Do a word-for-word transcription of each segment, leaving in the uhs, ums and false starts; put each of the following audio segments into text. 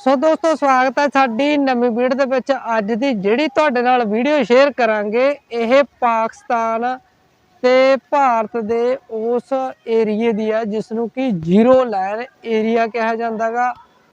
सो दोस्तों स्वागत है साडी नवीं वीडियो दे विच। अज दी जिहड़ी तुहाडे नाल वीडियो शेयर करांगे यह पाकिस्तान ते भारत दे उस एरिए दी है जिसनूं कि जीरो लाइन एरिया कहा जांदा गा।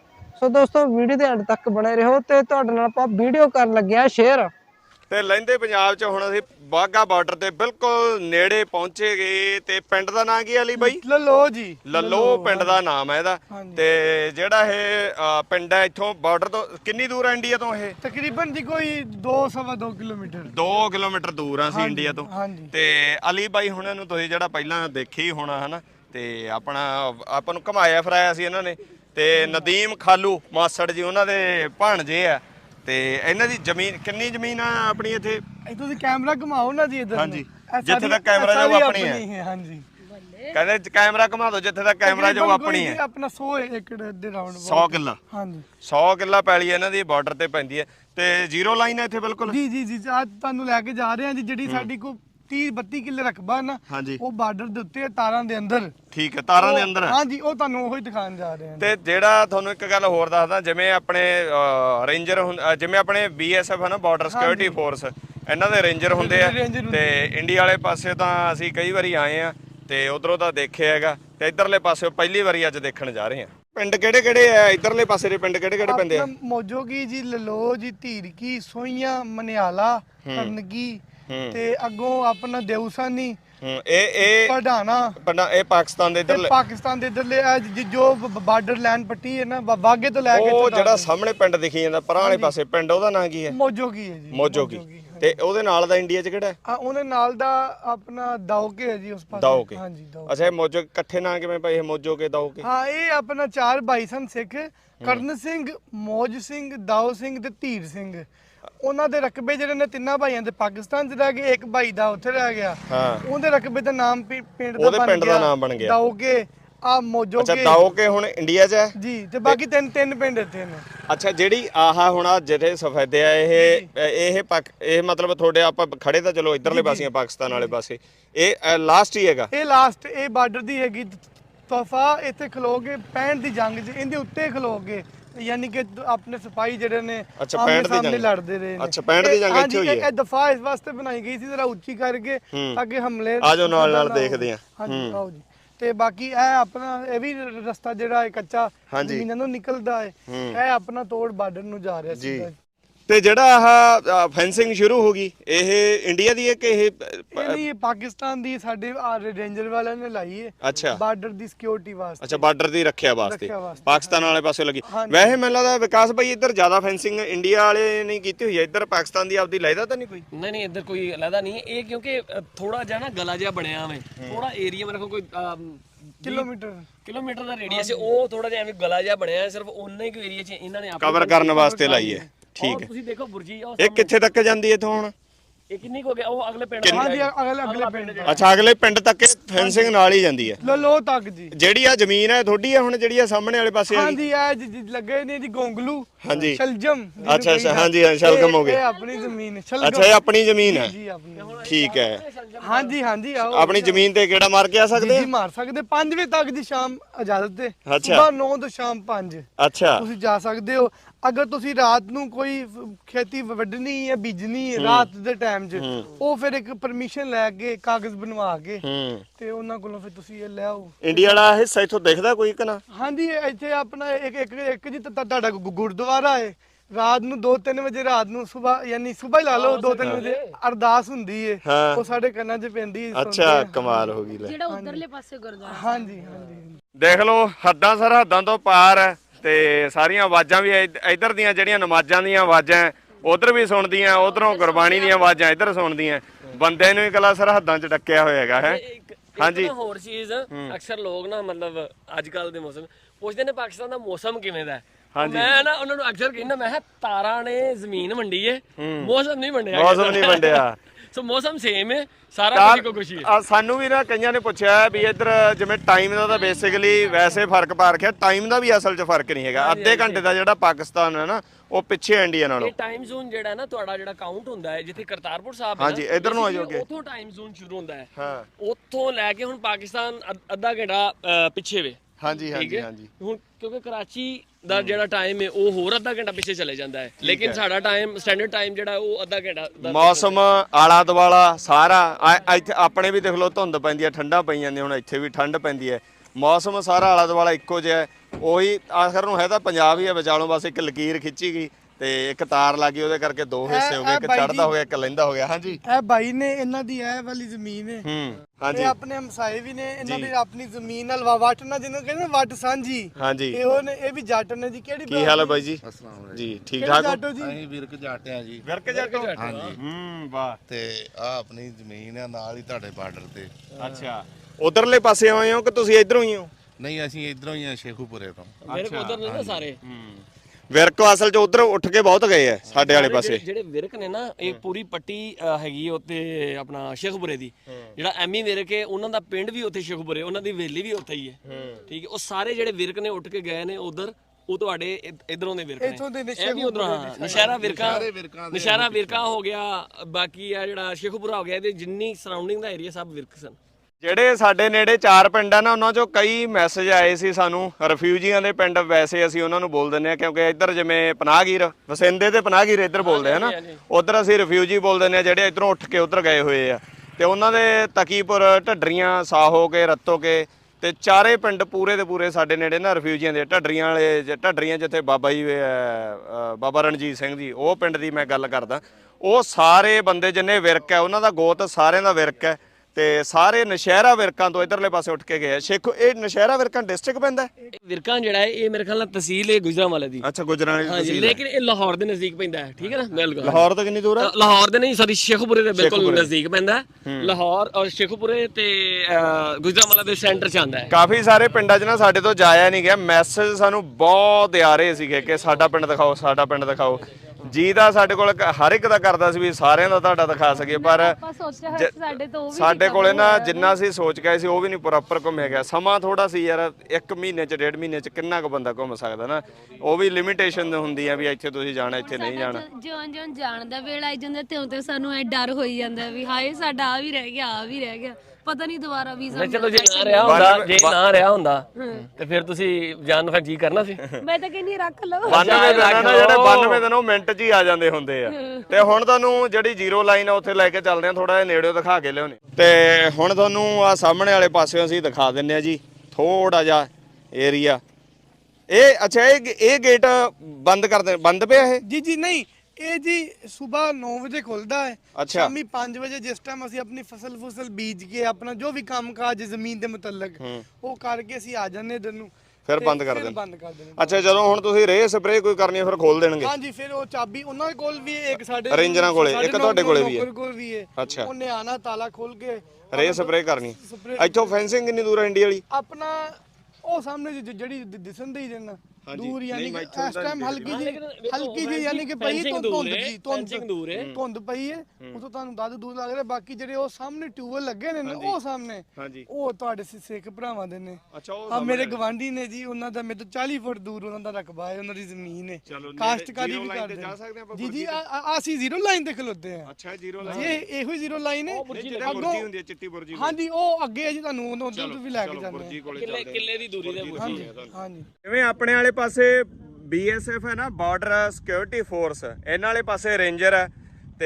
सो दोस्तों वीडियो दे एंड तक बने रहो ते तुहाडे नाल आपां वीडियो करन लगे आ शेयर। ਤੇ ਲਹਿੰਦੇ ਪੰਜਾਬ ਚ ਹੁਣ ਅਸੀਂ ਬਾਗਾ ਬਾਰਡਰ ਤੇ ਬਿਲਕੁਲ ਨੇੜੇ ਪਹੁੰਚੇ ਗਏ ਤੇ ਪਿੰਡ ਦਾ ਨਾਂ ਕੀ ਹੈ ਅਲੀ ਬਾਈ? ਲੱਲੋ ਜੀ। ਲੱਲੋ ਪਿੰਡ ਦਾ ਨਾਮ ਹੈ ਇਹਦਾ। ਤੇ ਜਿਹੜਾ ਇਹ ਪਿੰਡ ਹੈ ਇੱਥੋਂ ਬਾਰਡਰ ਤੋਂ ਕਿੰਨੀ ਦੂਰ ਹੈ ਇੰਡੀਆ ਤੋਂ? ਇਹ ਤਕਰੀਬਨ ਜੀ ਕੋਈ ਦੋ ਸਵਾ ਦੋ ਕਿਲੋਮੀਟਰ ਦੋ ਕਿਲੋਮੀਟਰ ਦੂਰ ਆ ਅਸੀਂ ਇੰਡੀਆ ਤੋਂ। ਤੇ ਅਲੀ ਬਾਈ ਹੁਣਾਂ ਨੂੰ ਤੁਸੀਂ ਜਿਹੜਾ ਪਹਿਲਾਂ ਦੇਖੀ ਹੋਣਾ ਹਨਾ, ਤੇ ਆਪਣਾ ਆਪਾਂ ਨੂੰ ਘਮਾਇਆ ਫਿਰਾਇਆ ਸੀ ਇਹਨਾਂ ਨੇ। ਤੇ ਨਦੀਮ ਖਾਲੂ ਮਾਸੜ ਜੀ ਉਹਨਾਂ ਦੇ ਭਾਣਜੇ ਆ। ਤੇ ਇਹਨਾਂ ਦੀ ਜ਼ਮੀਨ ਕਿੰਨੀ ਜ਼ਮੀਨ ਆ ਆਪਣੀ ਇੱਥੇ? ਇੱਥੋਂ ਦੀ ਕੈਮਰਾ ਘੁਮਾਓ ਨਾ ਜੀ ਇਧਰ। ਹਾਂਜੀ ਜਿੱਥੇ ਤੱਕ ਕੈਮਰਾ ਜੋ ਆਪਣੀ ਹੈ। ਹਾਂਜੀ ਕਹਿੰਦੇ ਕੈਮਰਾ ਘੁਮਾ ਦਿਓ ਜਿੱਥੇ ਤੱਕ ਕੈਮਰਾ ਜੋ ਆਪਣੀ ਹੈ। ਆਪਣਾ ਸੌ ਏਕੜ ਦੇ ਰਾਉਂਡ ਸੌ ਕਿੱਲਾ। ਹਾਂਜੀ ਸੌ ਕਿੱਲਾ ਪੈਲੀ ਇਹਨਾਂ ਦੀ ਬਾਰਡਰ ਤੇ ਪੈਂਦੀ ਹੈ ਤੇ ਜ਼ੀਰੋ ਲਾਈਨ ਹੈ ਇੱਥੇ ਬਿਲਕੁਲ। ਜੀ ਜੀ ਜੀ ਅੱਜ ਤੁਹਾਨੂੰ ਲੈ ਕੇ ਜਾ ਰਹੇ ਹਾਂ ਜੀ। ਜਿਹੜੀ ਸਾਡੀ ਕੋ ਤੀਹ ਬੱਤੀ ਕਿੱਲੇ ਰਕਬਾ ਨਾ, ਉਹ ਬਾਰਡਰ ਦੇ ਉੱਤੇ ਤਾਰਾਂ ਦੇ ਅੰਦਰ। ਠੀਕ ਹੈ, ਤਾਰਾਂ ਦੇ ਅੰਦਰ। ਹਾਂਜੀ ਉਹ ਤੁਹਾਨੂੰ ਉਹੀ ਦਿਖਾਉਣ ਜਾ ਰਹੇ ਹਾਂ। ਤੇ ਜਿਹੜਾ ਤੁਹਾਨੂੰ ਇੱਕ ਗੱਲ ਹੋਰ ਦੱਸਦਾ, ਜਿਵੇਂ ਆਪਣੇ ਰੇਂਜਰ ਜਿਵੇਂ ਆਪਣੇ ਬੀ ਐਸ ਐਫ ਹੈ ਨਾ, ਬਾਰਡਰ ਸਿਕਿਉਰਿਟੀ ਫੋਰਸ, ਇਹਨਾਂ ਦੇ ਰੇਂਜਰ ਹੁੰਦੇ ਆ। ਤੇ ਇੰਡੀਆ ਵਾਲੇ ਪਾਸੇ ਤਾਂ ਅਸੀਂ ਕਈ ਵਾਰੀ ਆਏ ਆ ਤੇ ਉਧਰੋਂ ਤਾਂ ਦੇਖਿਆ ਹੈਗਾ, ਤੇ ਇਧਰਲੇ ਪਾਸੇ ਪਹਿਲੀ ਵਾਰੀ ਅੱਜ ਦੇਖਣ ਜਾ ਰਹੇ ਆ। ਪਿੰਡ ਕਿਹੜੇ ਕਿਹੜੇ ਆ ਇਧਰਲੇ ਪਾਸੇ ਦੇ? ਪਿੰਡ ਕਿਹੜੇ ਕਿਹੜੇ ਪੈਂਦੇ ਆ? ਮੋਜੋਗੀ ਜੀ, ਲਲੋ ਜੀ, ਧੀਰਕੀ, ਸੋਈਆਂ, ਮਨਿਆਲਾ, ਕਰਨਗੀ ਤੇ ਅੱਗੋਂ ਆਪਣਾ ਦੇਉਸਾਨੀ। ਇਹ ਇਹ ਪੜਾਣਾ ਪੜਾ ਇਹ ਪਾਕਿਸਤਾਨ ਦੇ ਇਧਰਲੇ ਪਾਕਿਸਤਾਨ ਦੇ ਇਧਰਲੇ ਜੋ ਬਾਰਡਰ ਲਾਈਨ ਪੱਟੀ ਹੈ ਨਾ, ਬਾਗੇ ਤੋਂ ਲੈ ਕੇ ਉਹ ਜਿਹੜਾ ਸਾਹਮਣੇ ਪਿੰਡ ਦਿਖੀ ਜਾਂਦਾ ਪਰਾਂ ਵਾਲੇ ਪਾਸੇ, ਪਿੰਡ ਉਹਦਾ ਨਾਂ ਕੀ ਹੈ? ਮੋਜੋਗੀ ਹੈ ਜੀ। ਮੋਜੋਗੀ। ਤੇ ਉਹਦੇ ਨਾਲ ਦਾ ਇੰਡੀਆ 'ਚ ਕਿਹੜਾ? ਆ ਉਹਦੇ ਨਾਲ ਦਾ ਆਪਣਾ ਦਾਉਕੇ ਹੈ ਜੀ ਉਸ ਪਾਸੇ। ਦਾਉਕੇ। ਹਾਂਜੀ ਦਾਉਕੇ। ਅੱਛਾ ਇਹ ਮੋਜੋ ਇਕੱਠੇ ਨਾਂ ਕਿਵੇਂ ਪਏ ਇਹ ਮੋਜੋਗੇ ਦਾਉਕੇ? ਹਾਂ ਇਹ ਆਪਣਾ ਚਾਰ ਭਾਈ ਸਨ ਸਿੱਖ, ਕਰਨ ਸਿੰਘ, ਮੌਜ ਸਿੰਘ, ਦਾਉ ਸਿੰਘ ਤੇ ਧੀਰ ਸਿੰਘ। ਉਹਨਾਂ ਦੇ ਰਕਬੇ ਜਿਹੜੇ ਨੇ ਤਿੰਨਾਂ ਭਾਈਆਂ ਦੇ ਪਾਕਿਸਤਾਨ 'ਚ ਰਹਿ ਗਏ, ਇੱਕ ਭਾਈ ਦਾ ਉੱਥੇ ਰਹਿ ਗਿਆ। ਉਹਦੇ ਰਕਬੇ ਦਾ ਨਾਮ ਪਿੰਡ ਦਾ ਬਣ ਗਿਆ। ਪਿੰਡ ਦਾ ਨਾਮ ਬਣ ਗਿਆ ਦਾਉਕੇ। ਆ ਮੋਜੋਗੇ। ਅੱਛਾ ਦਾਉਕੇ ਹੁਣ ਇੰਡੀਆ 'ਚ ਹੈ ਜੀ। ਤੇ ਬਾਕੀ ਤਿੰਨ ਤਿੰਨ ਪਿੰਡ ਇੱਥੇ ਨੇ। ਅੱਛਾ ਜਿਹੜੀ ਆਹਾ ਹੁਣ ਆ ਜਿਹੜੇ ਸਫੈਦੇ ਆ ਇਹ ਇਹ ਇਹ ਮਤਲਬ ਤੁਹਾਡੇ ਆਪਾਂ ਖੜੇ ਤਾਂ ਚਲੋ ਇਧਰਲੇ ਪਾਸੇ ਪਾਕਿਸਤਾਨ ਵਾਲੇ ਪਾਸੇ, ਇਹ ਲਾਸਟ ਹੀ ਹੈਗਾ? ਇਹ ਲਾਸਟ ਇਹ ਬਾਰਡਰ ਦੀ ਹੈਗੀ ਤੋਹਫਾ। ਇੱਥੇ ਖਲੋਗੇ ਪੈਂਹਠ ਦੀ ਜੰਗ 'ਚ ਇਹਦੇ ਉੱਤੇ ਖਲੋਗੇ, ਯਾਨੀ ਕਿ ਆਪਣੇ ਸਿਪਾਹੀ ਜਿਹੜੇ ਨੇ ਆਮਨੇ ਸਾਹਮਣੇ ਲੜਦੇ ਰਹੇ ਨੇ। ਅੱਛਾ ਪੈਂਹਠ ਦੀ ਜੰਗ ਇੱਥੇ ਹੋਈ ਹੈ। ਇਹ ਦਫਾ ਇਸ ਵਾਸਤੇ ਬਣਾਈ ਗਈ ਸੀ ਜ਼ਰਾ ਉੱਚੀ ਕਰਕੇ ਤਾਂ ਕਿ ਹਮਲੇ। ਆਜੋ ਨਾਲ ਨਾਲ ਦੇਖਦੇ ਆ। ਹਾਂਜੀ ਆਓ ਜੀ। ਤੇ ਬਾਕੀ ਇਹ ਆਪਣਾ ਇਹ ਵੀ ਰਸਤਾ ਜਿਹੜਾ ਹੈ ਕੱਚਾ ਜ਼ਮੀਨਾਂ ਤੋਂ ਨਿਕਲਦਾ ਹੈ, ਇਹ ਆਪਣਾ ਤੋੜ ਬਾਰਡਰ ਨੂੰ ਜਾ ਰਿਹਾ ਸੀ। ਤੇ ਜਿਹੜਾ ਆਹ ਫੈਂਸਿੰਗ ਸ਼ੁਰੂ ਹੋ ਗਈ ਇਹ ਇੰਡੀਆ ਦੀ ਹੈ ਕਿ ਇਹ? ਨਹੀਂ ਪਾਕਿਸਤਾਨ ਦੀ, ਸਾਡੇ ਰੇਂਜਰ ਵਾਲਿਆਂ ਨੇ ਲਾਈ ਹੈ। ਅੱਛਾ ਬਾਰਡਰ ਦੀ ਸਿਕਿਉਰਿਟੀ ਵਾਸਤੇ। ਅੱਛਾ ਬਾਰਡਰ ਦੀ ਰੱਖਿਆ ਵਾਸਤੇ ਪਾਕਿਸਤਾਨ ਵਾਲੇ ਪਾਸੇ ਲੱਗੀ। ਵੈਸੇ ਮੈਨੂੰ ਲੱਗਦਾ ਵਿਕਾਸ ਭਾਈ ਇੱਧਰ ਜ਼ਿਆਦਾ ਫੈਂਸਿੰਗ ਇੰਡੀਆ ਵਾਲੇ ਨੇ ਕੀਤੀ ਹੋਈ ਹੈ, ਇੱਧਰ ਪਾਕਿਸਤਾਨ ਦੀ ਆਪਦੀ ਲਾਇਦਾ ਤਾਂ ਨਹੀਂ ਕੋਈ? ਨਹੀਂ ਨਹੀਂ ਇੱਧਰ ਕੋਈ ਲਾਇਦਾ ਨਹੀਂ ਇਹ, ਕਿਉਂਕਿ ਥੋੜਾ ਜਿਹਾ ਨਾ ਗਲਾ ਜਿਹਾ ਬਣਿਆ ਹੋਵੇ, ਥੋੜਾ ਏਰੀਆ ਮੇਰੇ ਕੋਲ ਕੋਈ ਕਿਲੋਮੀਟਰ ਕਿਲੋਮੀਟਰ ਦਾ ਰੇਡੀਅਸ ਹੈ, ਉਹ ਥੋੜਾ ਜਿਹਾ ਐਵੇਂ ਗਲਾ ਜਿਹਾ ਬਣਿਆ, ਸਿਰਫ ਉਨਾ ਹੀ ਏਰੀਆ 'ਚ ਇਹਨਾਂ ਨੇ ਕਵਰ ਕਰਨ ਵਾਸਤੇ ਲਾਈ ਹੈ। ਠੀਕ ਹੈ। ਤੁਸੀਂ ਦੇਖੋ ਬੁਰਜੀ ਇਹ ਕਿੱਥੇ ਤੱਕ ਜਾਂਦੀ ਹੈ ਇੱਥੋਂ ਹੁਣ? ਇਹ ਕਿੰਨੀ ਹੋ ਗਿਆ? ਉਹ ਅਗਲੇ ਪਿੰਡ। ਹਾਂਜੀ ਅਗਲੇ ਅਗਲੇ ਪਿੰਡ। ਅੱਛਾ ਅਗਲੇ ਪਿੰਡ ਤੱਕ ਫੈਂਸਿੰਗ ਨਾਲ ਹੀ ਜਾਂਦੀ ਹੈ? ਲੋ ਤੱਕ ਜੀ। ਜਿਹੜੀ ਆ ਜ਼ਮੀਨ ਹੈ ਤੁਹਾਡੀ ਹੈ ਹੁਣ, ਜਿਹੜੀ ਆ ਸਾਹਮਣੇ ਵਾਲੇ ਪਾਸੇ? ਹਾਂਜੀ ਇਹ ਲੱਗੇ ਨੇ ਜੀ ਗੋਂਗਲੂ। ਹਾਂਜੀ ਸ਼ਲਜਮ। ਅੱਛਾ ਅੱਛਾ ਹਾਂਜੀ ਹਾਂ ਸ਼ਲਗਮ ਹੋ ਗਏ। ਇਹ ਆਪਣੀ ਜ਼ਮੀਨ ਹੈ। ਅੱਛਾ ਇਹ ਆਪਣੀ ਜ਼ਮੀਨ ਹੈ ਜੀ ਆਪਣੀ। ਠੀਕ ਹੈ। ਹਾਂਜੀ ਹਾਂਜੀ ਆਓ ਆਪਣੀ ਜ਼ਮੀਨ ਤੇ ਕਿਹੜਾ ਮਾਰ ਕੇ ਆ ਸਕਦੇ? ਜੀ ਮਾਰ ਸਕਦੇ। ਪੰਜ ਵਜੇ ਤੱਕ ਦੀ ਸ਼ਾਮ ਇਜਾਜ਼ਤ ਹੈ। ਅੱਛਾ ਸਵੇਰ ਨੌ ਤੋਂ ਸ਼ਾਮ ਪੰਜ। ਅੱਛਾ ਤੁਸੀਂ ਜਾ ਸਕਦੇ ਹੋ। ਅਗਰ ਤੁਸੀਂ ਰਾਤ ਨੂੰ ਕੋਈ ਖੇਤੀ ਵੱਢਣੀ ਹੈ, ਬੀਜਣੀ ਹੈ ਰਾਤ ਦੇ ਟਾਈਮ 'ਚ, ਉਹ ਫਿਰ ਇੱਕ ਪਰਮਿਸ਼ਨ ਲੈ ਕੇ ਕਾਗਜ਼ ਬਣਵਾ ਕੇ ਤੇ ਉਹਨਾਂ ਕੋਲੋਂ ਫਿਰ ਤੁਸੀਂ ਇਹ ਲੈ ਆਓ। ਇੰਡੀਆ ਵਾਲਾ ਹਿੱਸਾ ਇੱਥੋਂ ਦਿਖਦਾ ਕੋਈ ਕਿ ਨਾ? ਹਾਂਜੀ ਇੱਥੇ ਆਪਣਾ ਇੱਕ ਇੱਕ ਇੱਕ ਜੀ ਤੁਹਾਡਾ ਗੁਰਦੁਆਰਾ ਹੈ। ਰਾਤ ਨੂੰ ਦੋ ਤਿੰਨ ਵਜੇ ਰਾਤ ਨੂੰ ਸਵੇਰ ਯਾਨੀ ਸਵੇਰ ਲਾ ਲਓ ਦੋ ਤਿੰਨ ਵਜੇ ਅਰਦਾਸ ਹੁੰਦੀ ਹੈ, ਉਹ ਸਾਡੇ ਕੰਨਾਂ 'ਚ ਪੈਂਦੀ ਹੈ। ਅੱਛਾ ਕਮਾਲ ਹੋ ਗਈ ਲੈ। ਜਿਹੜਾ ਉਧਰਲੇ ਪਾਸੇ ਗੁਰਦੁਆਰਾ। ਹਾਂਜੀ ਹਾਂਜੀ ਦੇਖ ਲਓ ਹੱਦਾਂ ਸਰਹੱਦਾਂ ਤੋਂ ਪਾਰ ਹੈ ਤੇ ਸਾਰੀਆਂ ਆਵਾਜ਼ਾਂ ਵੀ ਇੱਧਰ ਦੀਆਂ ਜਿਹੜੀਆਂ ਨਮਾਜ਼ਾਂ ਦੀਆਂ ਆਵਾਜ਼ਾਂ ਉਧਰ ਵੀ ਸੁਣਦੀਆਂ, ਉਧਰੋਂ ਗੁਰਬਾਣੀ ਦੀਆਂ ਆਵਾਜ਼ਾਂ ਇੱਧਰ ਸੁਣਦੀਆਂ। ਬੰਦੇ ਨੂੰ ਹੀ ਕਲਾ ਸਰਹੱਦਾਂ 'ਚ ਡੱਕਿਆ ਹੋਇਆ ਹੈਗਾ ਹੈ। ਹਾਂਜੀ ਹੋਰ ਚੀਜ਼ ਅਕਸਰ ਲੋਕ ਨਾ ਮਤਲਬ ਅੱਜ ਕੱਲ ਦੇ ਮੌਸਮ ਪੁੱਛਦੇ ਨੇ ਪਾਕਿਸਤਾਨ ਦਾ ਮੌਸਮ ਕਿਵੇਂ ਦਾ ਹੈ। ਮੈਂ ਨਾ ਉਹਨਾਂ ਨੂੰ ਅਕਸਰ ਕਹਿੰਦਾ ਮੈਂ ਤਾਰਾਂ ਨੇ ਜ਼ਮੀਨ ਵੰਡੀ ਏ, ਮੌਸਮ ਨਹੀਂ ਵੰਡਿਆ। ਮੌਸਮ ਨਹੀਂ ਵੰਡਿਆ। ਸੋ ਮੌਸਮ ਸੇਮ ਹੈ, ਸਾਰਾ ਕੁਝ ਖੁਸ਼ੀ ਹੈ। ਸਾਨੂੰ ਵੀ ਨਾ ਕਈਆਂ ਨੇ ਪੁੱਛਿਆ ਵੀ ਇੱਧਰ ਜਿਵੇਂ ਟਾਈਮ ਦਾ ਤਾਂ ਬੇਸਿਕਲੀ ਵੈਸੇ ਫਰਕ ਪਾ ਰੱਖਿਆ, ਟਾਈਮ ਦਾ ਵੀ ਅਸਲ 'ਚ ਫਰਕ ਨਹੀਂ ਹੈਗਾ। ਅੱਧੇ ਘੰਟੇ ਦਾ ਜਿਹੜਾ ਪਾਕਿਸਤਾਨ ਹੈ ਨਾ ਉਹ ਪਿੱਛੇ ਇੰਡੀਆ ਨਾਲੋਂ। ਇਹ ਟਾਈਮ ਜ਼ੋਨ ਜਿਹੜਾ ਨਾ ਤੁਹਾਡਾ ਜਿਹੜਾ ਕਾਊਂਟ ਹੁੰਦਾ ਹੈ, ਜਿੱਥੇ ਕਰਤਾਰਪੁਰ ਸਾਹਿਬ ਹੈ ਹਾਂਜੀ ਇੱਧਰ ਨੂੰ ਆ ਜਾਓਗੇ, ਉੱਥੋਂ ਟਾਈਮ ਜ਼ੋਨ ਸ਼ੁਰੂ ਹੁੰਦਾ ਹੈ। ਹਾਂ ਉੱਥੋਂ ਲੈ ਕੇ ਹੁਣ ਪਾਕਿਸਤਾਨ ਅੱਧਾ ਘੰਟਾ ਪਿੱਛੇ ਵੇ। ਹਾਂਜੀ ਹਾਂਜੀ ਹਾਂਜੀ। ਹੁਣ ਕਿਉਂਕਿ ਕਰਾਚੀ ਦਾ ਜਿਹੜਾ ਟਾਈਮ ਹੈ ਉਹ ਹੋਰ ਅੱਧਾ ਘੰਟਾ ਪਿੱਛੇ ਚਲੇ ਜਾਂਦਾ ਹੈ, ਲੇਕਿਨ ਸਾਡਾ ਟਾਈਮ ਸਟੈਂਡਰਡ ਟਾਈਮ ਜਿਹੜਾ ਉਹ ਅੱਧਾ ਘੰਟਾ ਦਾ ਮੌਸਮ ਆਲਾ ਦੁਆਲਾ ਸਾਰਾ ਆ- ਇੱਥੇ ਆਪਣੇ ਵੀ ਦੇਖ ਲਓ ਧੁੰਦ ਪੈਂਦੀ ਹੈ, ਠੰਡਾ ਪਈ ਜਾਂਦੀ, ਹੁਣ ਇੱਥੇ ਵੀ ਠੰਡ ਪੈਂਦੀ ਹੈ, ਮੌਸਮ ਸਾਰਾ ਆਲਾ ਦੁਆਲਾ ਇੱਕੋ ਜਿਹਾ ਹੈ। ਉਹੀ ਆਖਰ ਨੂੰ ਹੈ ਤਾਂ ਪੰਜਾਬ ਹੀ ਹੈ, ਵਿਚਾਲੋਂ ਬਸ ਇੱਕ ਲਕੀਰ ਖਿੱਚੀ ਗਈ ਤੇ ਇੱਕ ਤਾਰ ਲੱਗੀ, ਉਹਦੇ ਕਰਕੇ ਦੋ ਹਿੱਸੇ ਹੋ ਗਏ, ਇੱਕ ਚੜਦਾ ਹੋ ਗਿਆ ਇੱਕ ਲੈਂਦਾ ਹੋ ਗਿਆ। ਹਾਂਜੀ ਇਹ ਬਾਈ ਨੇ ਇਹਨਾਂ ਦੀ ਇਹ ਵਾਲੀ ਜ਼ਮੀਨ ਹੈ, ਹੂੰ ਹਾਂਜੀ ਇਹ ਆਪਣੇ ਹਮਸਾਏ ਵੀ ਨੇ, ਇਹਨਾਂ ਦੀ ਆਪਣੀ ਜ਼ਮੀਨ ਨਾਲ ਵੱਟ ਨਾ ਜਿਹਨੂੰ ਕਹਿੰਦੇ ਨਾ ਵੱਟ ਸਾਂਝੀ, ਹਾਂਜੀ ਇਹ ਉਹ ਨੇ, ਇਹ ਵੀ ਜੱਟ ਨੇ ਜੀ। ਕਿਹੜੀ ਕੀ ਹਾਲ ਹੈ ਬਾਈ ਜੀ? ਜੀ ਠੀਕ ਠਾਕ ਹੋ? ਜੱਟੋ ਜੀ? ਅਸੀਂ ਵਿਰਕ ਜੱਟ ਆ ਜੀ। ਵਿਰਕ ਜੱਟੋ? ਹਾਂਜੀ ਹੂੰ ਵਾਹ। ਤੇ ਆ ਆਪਣੀ ਜ਼ਮੀਨ ਆ ਨਾਲ ਹੀ ਤੁਹਾਡੇ ਬਾਰਡਰ ਤੇ। ਅੱਛਾ ਉਧਰਲੇ ਪਾਸੇ ਆਏ ਹੋ ਕਿ ਤੁਸੀਂ ਇਧਰੋਂ ਹੀ ਹੋ? ਨਹੀਂ ਅਸੀਂ ਇਧਰੋਂ ਹੀ ਆ ਸ਼ੇਖੂਪੁਰੇ ਤੋਂ। ਮੇਰੇ ਕੋਲ ਉਧਰ ਨੇ ਨਾ ਸਾਰੇ ਵਿਰਕ ਅਸਲ ਚ ਉਧਰ ਉੱਠ ਕੇ ਬਹੁਤ ਗਏ ਆ ਸਾਡੇ ਵਾਲੇ ਪਾਸੇ। ਜਿਹੜੇ ਵਿਰਕ ਨੇ ਨਾ ਇਹ ਪੂਰੀ ਪੱਟੀ ਅ, ਹੈਗੀ ਉੱਤੇ ਆਪਣਾ ਸ਼ੇਖਪੁਰੇ ਦੀ, ਜਿਹੜਾ ਐਮੀ ਵਿਰਕ ਹੈ ਉਹਨਾਂ ਦਾ ਪਿੰਡ ਵੀ ਉੱਥੇ ਸ਼ੇਖਪੁਰੇ, ਉਹਨਾਂ ਦੀ ਹਵੇਲੀ ਵੀ ਉੱਥੇ ਹੀ ਹੈ, ਠੀਕ ਹੈ। ਉਹ ਸਾਰੇ ਜਿਹੜੇ ਵਿਰਕ ਨੇ ਉੱਠ ਕੇ ਗਏ ਨੇ ਉਧਰ, ਉਹ ਤੁਹਾਡੇ ਇਧਰੋਂ ਦੇ ਵਿਰਕ ਇੱਥੋਂ ਦੇ ਨੇ, ਨੇ, ਇਹ ਵੀ ਉਧਰੋਂ। ਹਾਂ ਨਸ਼ਹਿਰਾ ਵਿਰਕਾ, ਵਿਰਕਾਂ ਨਸ਼ਹਿਰਾ ਵਿਰਕਾ ਹੋ ਗਿਆ, ਬਾਕੀ ਆ ਜਿਹੜਾ ਸ਼ੇਖਪੁਰਾ ਹੋ ਗਿਆ, ਇਹਦੇ ਜਿੰਨੀ ਸਰਾਊਂਡਿੰਗ ਦਾ ਏਰੀਆ ਸਭ ਵਿਰਕ ਸਨ। ਜਿਹੜੇ ਸਾਡੇ ਨੇੜੇ ਚਾਰ ਪਿੰਡ ਆ ਨਾ, ਉਹਨਾਂ ਚੋਂ ਕਈ ਮੈਸੇਜ ਆਏ ਸੀ ਸਾਨੂੰ ਰਿਫਿਊਜੀਆਂ ਦੇ ਪਿੰਡ, ਵੈਸੇ ਅਸੀਂ ਉਹਨਾਂ ਨੂੰ ਬੋਲ ਦਿੰਦੇ ਆ ਕਿਉਂਕਿ ਇੱਧਰ ਜਿਵੇਂ ਪਨਾਹਗੀਰ ਵਸਿੰਦੇ ਤੇ ਪਨਾਹਗੀਰ ਇੱਧਰ ਬੋਲਦੇ ਆ ਨਾ, ਉਧਰ ਅਸੀਂ ਰਿਫਿਊਜੀ ਬੋਲ ਦਿੰਦੇ ਆ ਜਿਹੜੇ ਇੱਧਰੋਂ ਉੱਠ ਕੇ ਉੱਧਰ ਗਏ ਹੋਏ ਆ। ਤੇ ਉਹਨਾਂ ਦੇ ਤਕੀਪੁਰ, ਢੱਡਰੀਆਂ, ਸਾਹੋ ਕੇ, ਰੱਤੋ ਕੇ, ਤੇ ਚਾਰੇ ਪਿੰਡ ਪੂਰੇ ਦੇ ਪੂਰੇ ਸਾਡੇ ਨੇੜੇ ਨਾ ਰਿਫਿਊਜੀਆਂ ਦੇ। ਢੱਡਰੀਆਂ ਵਾਲੇ, ਢੱਡਰੀਆਂ ਜਿੱਥੇ ਬਾਬਾ ਜੀ ਅਹ, ਬਾਬਾ ਰਣਜੀਤ ਸਿੰਘ ਜੀ, ਉਹ ਪਿੰਡ ਦੀ ਮੈਂ ਗੱਲ ਕਰਦਾ। ਉਹ ਸਾਰੇ ਬੰਦੇ ਜਿੰਨੇ ਵਿਰਕ ਹੈ ਉਹਨਾਂ ਦਾ ਗੋਤ ਸਾਰਿਆਂ ਦਾ ਵਿਰਕ ਹੈ, ਤੇ ਸਾਰੇ ਨਸ਼ਹਿਰਾ ਵਿਰਕਾਂ ਤੋਂ ਇਧਰਲੇ ਪਾਸੇ ਉੱਠ ਕੇ ਗਏ। ਸ਼ੇਖੋ ਇਹ ਨਸ਼ਹਿਰਾ ਵਿਰਕਾਂ ਡਿਸਟ੍ਰਿਕਟ ਪੈਂਦਾ? ਇਹ ਵਿਰਕਾਂ ਜਿਹੜਾ ਹੈ ਇਹ ਮੇਰੇ ਖਿਆਲ ਨਾਲ ਤਹਿਸੀਲ ਹੈ ਗੁਜਰਾਂਵਾਲੇ ਦੀ। ਅੱਛਾ ਗੁਜਰਾਂਵਾਲੇ ਦੀ ਹਾਂਜੀ, ਤਹਿਸੀਲ ਹੈ। ਲੇਕਿਨ ਇਹ ਲਾਹੌਰ ਦੇ ਨਜ਼ਦੀਕ ਪੈਂਦਾ ਹੈ, ਠੀਕ ਹੈ ਨਾ, ਬਿਲਕੁਲ। ਲਾਹੌਰ ਤੋਂ ਕਿੰਨੀ ਦੂਰ ਹੈ? ਲਾਹੌਰ ਦੇ ਨਹੀਂ, ਸੌਰੀ ਸ਼ੇਖੂਪੁਰੇ ਦੇ ਬਿਲਕੁਲ ਨਜ਼ਦੀਕ ਪੈਂਦਾ ਹੈ। ਲਾਹੌਰ ਔਰ ਸ਼ੇਖੂਪੁਰੇ ਤੇ ਗੁਜਰਾਂਵਾਲਾ ਦੇ ਸੈਂਟਰ ਚ ਆਉਂਦਾ ਹੈ। ਕਾਫੀ ਸਾਰੇ ਪਿੰਡਾਂ 'ਚ ਨਾ ਸਾਡੇ ਤੋਂ ਜਾਇਆ ਨਹੀਂ ਗਿਆ, ਮੈਸੇਜ ਸਾਨੂੰ ਬਹੁਤ ਆ ਰਹੇ ਸੀਗੇ ਕਿ ਸਾਡਾ ਪਿੰਡ ਦਿਖਾਓ, ਸਾਡਾ ਪਿੰਡ ਦਿਖਾਓ। ਜੀ ਦਾ ਸਾਡੇ ਕੋਲ ਹਰ ਇੱਕ ਦਾ ਕਰਦਾ ਸੀ ਵੀ ਸਾਰਿਆਂ ਦਾ ਤੁਹਾਡਾ ਦਿਖਾ ਸਕੀਏ, ਪਰ ਸਾਡੇ ਕੋਲੇ ਨਾ ਜਿੰਨਾ ਅਸੀਂ ਸੋਚ ਗਏ ਸੀ ਉਹ ਵੀ ਨਹੀਂ ਪ੍ਰੋਪਰ ਘੁੰਮਿਆ ਗਿਆ। ਸਮਾਂ ਥੋੜਾ ਸੀ ਯਾਰ, ਇੱਕ ਮਹੀਨੇ 'ਚ ਡੇਢ ਮਹੀਨੇ 'ਚ ਕਿੰਨਾ ਕੁ ਬੰਦਾ ਘੁੰਮ ਸਕਦਾ ਨਾ, ਉਹ ਵੀ ਲਿਮਿਟੇਸ਼ਨ ਹੁੰਦੀ ਆ ਵੀ ਇੱਥੇ ਤੁਸੀਂ ਜਾਣਾ, ਇੱਥੇ ਨਹੀਂ ਜਾਣਾ। ਜਿਉਂ ਜਿਉਂ ਜਾਣ ਦਾ ਵੇਲਾ ਆਈ ਜਾਂਦਾ ਤਿਉਂ ਤੇ ਸਾਨੂੰ ਐ ਡਰ ਹੋਈ ਜਾਂਦਾ ਵੀ ਹਾਏ ਸਾਡਾ ਆ ਵੀ ਰਹਿ ਗਿਆ, ਆ ਵੀ ਰਹਿ ਗਿਆ, ਪਤਾ ਨਹੀਂ ਦੁਬਾਰਾ ਵੀਜ਼ਾ। ਨਹੀਂ ਚਲੋ, ਜੇ ਨਾ ਰਿਹਾ ਹੁੰਦਾ, ਜੇ ਨਾ ਰਿਹਾ ਹੁੰਦਾ ਤੇ ਫਿਰ ਤੁਸੀਂ ਜਾਣ ਨੂੰ ਫਿਰ ਜੀ ਕਰਨਾ ਸੀ। ਮੈਂ ਤਾਂ ਕਹਿੰਦੀ ਰੱਖ ਲਓ। ਬਾਨਵੇਂ ਦਿਨ ਨਾ ਜਿਹੜੇ ਬਾਨਵੇਂ ਦਿਨ ਉਹ ਮਿੰਟ 'ਚ ਹੀ ਆ ਜਾਂਦੇ ਹੁੰਦੇ ਆ। ਤੇ ਹੁਣ ਤੁਹਾਨੂੰ ਜਿਹੜੀ ਜ਼ੀਰੋ ਲਾਈਨ ਆ ਉੱਥੇ ਲੈ ਕੇ ਚੱਲਦੇ ਆ, ਥੋੜਾ ਜਿਹਾ ਨੇੜਿਓਂ ਦਿਖਾ ਕੇ ਲਿਆਉਣੇ। ਤੇ ਹੁਣ ਤੁਹਾਨੂੰ ਆ ਸਾਹਮਣੇ ਵਾਲੇ ਪਾਸਿਓਂ ਅਸੀਂ ਦਿਖਾ ਦਿੰਨੇ ਆ ਜੀ ਥੋੜਾ ਜਿਹਾ ਏਰੀਆ। ਇਹ ਅੱਛਾ ਇਹ ਇਹ ਗੇਟ ਬੰਦ ਕਰ ਦੇ, ਬੰਦ ਪਿਆ ਇਹ? ਜੀ ਜੀ ਨਹੀਂ, ਇਹ ਜੀ ਸਵੇਰ ਨੌ ਵਜੇ ਖੁੱਲਦਾ ਹੈ, ਅੱਛਾ। ਸ਼ਾਮੀ ਪੰਜ ਵਜੇ ਜਿਸ ਟਾਈਮ ਅਸੀਂ ਆਪਣੀ ਫਸਲ ਫਸਲ ਬੀਜ ਕੇ ਆਪਣਾ ਜੋ ਵੀ ਕੰਮ ਕਾਜ ਜ਼ਮੀਨ ਦੇ ਮੁਤਲਕ ਉਹ ਕਰਕੇ ਅਸੀਂ ਆ ਜਾਂਦੇ ਇਧਰ ਨੂੰ, ਫਿਰ ਤੇ ਬੰਦ ਕਰ ਫਿਰ ਦੇਣ। ਬੰਦ ਕਰ ਦੇਣੇ। ਅੱਛਾ ਜਦੋਂ ਹੁਣ ਤੁਸੀਂ ਰੇ ਸਪਰੇ ਕੋਈ ਕਰਨੀ ਹੈ ਫਿਰ ਖੋਲ ਦੇਣਗੇ? ਹਾਂਜੀ, ਫਿਰ ਉਹ ਚਾਬੀ ਉਹਨਾਂ ਕੋਲ ਵੀ ਹੈ, ਇੱਕ ਸਾਡੇ ਰੇਂਜਰਾਂ ਕੋਲੇ, ਸਾਡੇ ਇੱਕ ਤੁਹਾਡੇ ਕੋਲੇ ਵੀ ਹੈ। ਨੌਕਰ ਕੋਲ ਵੀ ਹੈ। ਅੱਛਾ। ਉਹਨੇ ਆਣਾ ਤਾਲਾ ਖੋਲ ਕੇ ਰੇ ਸਪਰੇ ਕਰਨੀ। ਸਪਰੇਅ- ਇੱਥੋਂ ਫੈਂਸਿੰਗ ਕਿੰਨੀ ਦੂਰ ਹੈ ਇੰਡੀਆ ਵਾਲੀ? ਆਪਣਾ ਉਹ ਸਾਹਮਣੇ ਜਿਹੀ- ਜਿਹੜੀ ਦਿ- ਦਿਸਣ ਦੀ ਜਨ ਦੂਰ, ਯਾਨੀ ਕਿ ਇਸ ਟਾਈਮ ਹਲਕੀ ਜੀ ਹਲਕੀ ਜੀ ਯਾਨੀ ਕਿ ਪਈ ਧੁੰਦ ਧੁੰਦ ਜੀ ਧੁੰਦ ਦੂਰ ਹੈ, ਧੁੰਦ ਪਈ ਹੈ, ਉਦੋਂ ਤੁਹਾਨੂੰ ਦੱਦ ਦੂਰ ਲੱਗ ਰਿਹਾ। ਬਾਕੀ ਜਿਹੜੇ ਉਹ ਸਾਹਮਣੇ ਟਿਊਬਲ ਲੱਗੇ ਨੇ ਨਾ, ਉਹ ਸਾਹਮਣੇ ਹਾਂਜੀ। ਉਹ ਤੁਹਾਡੇ ਸਿ- ਸਿੱਖ ਭਰਾਵਾਂ ਦੇ ਨੇ। ਅੱਛਾ ਉਹ ਆ ਮੇਰੇ ਗਵਾਂਢੀ ਨੇ ਜੀ, ਉਹਨਾਂ ਦਾ ਮੇਰੇ ਤੋਂ ਚਾਲੀ ਫੁੱਟ ਦੂਰ ਉਹਨਾਂ ਦਾ ਰਕਬਾ ਹੈ, ਉਹਨਾਂ ਦੀ ਜ਼ਮੀਨ ਹੈ, ਚਲੋ, ਕਾਸ਼ਤਕਾਰੀ ਜ਼ੀਰੋ ਵੀ ਲਾਈਨ ਤੇ ਕਰਦੇ ਜਾ ਸਕਦੇ ਆਪਾਂ ਜੀ ਜੀ। ਆ- ਆ- ਅਸੀਂ ਜ਼ੀਰੋ ਲਾਈਨ ਤੇ ਖਲੋਤੇ ਆ ਅੱਛਾ ਜ਼ੀਰੋ ਜੀ, ਇਹ ਇਹੋ ਹੀ ਜ਼ੀਰੋ ਲਾਈਨ ਹੈ। ਬੁਰਜੀ ਹੁੰਦੀ ਹੈ, ਚਿੱਟੀ ਬੁਰਜੀ। ਹਾਂਜੀ, ਉਹ ਅੱਗੇ ਹੈ ਜੀ, ਤੁਹਾਨੂੰ ਉਦੋਂ ਉਦੋਂ ਵੀ ਲੈ ਕੇ ਜਾਂਦੇ ਬੁਰਜੀ ਆ। ਕੋਲੇ ਕਿੱਲੇ ਕਿੱਲੇ ਦੀ ਦੂਰੀ ਦੇ ਹਾਂਜੀ ਹਾਂਜੀ। ਜਿਵੇਂ ਆਪਣੇ ਵਾਲੇ ਪਾਸੇ ਬੀ ਐਸ ਐਫ ਹੈ ਨਾ, ਬਾਰਡਰ ਸਿਕਿਉਰਿਟੀ ਫੋਰਸ, ਇਹਨਾਂ ਵਾਲੇ ਪਾਸੇ ਰੇਂਜਰ ਹੈ, ਤੇ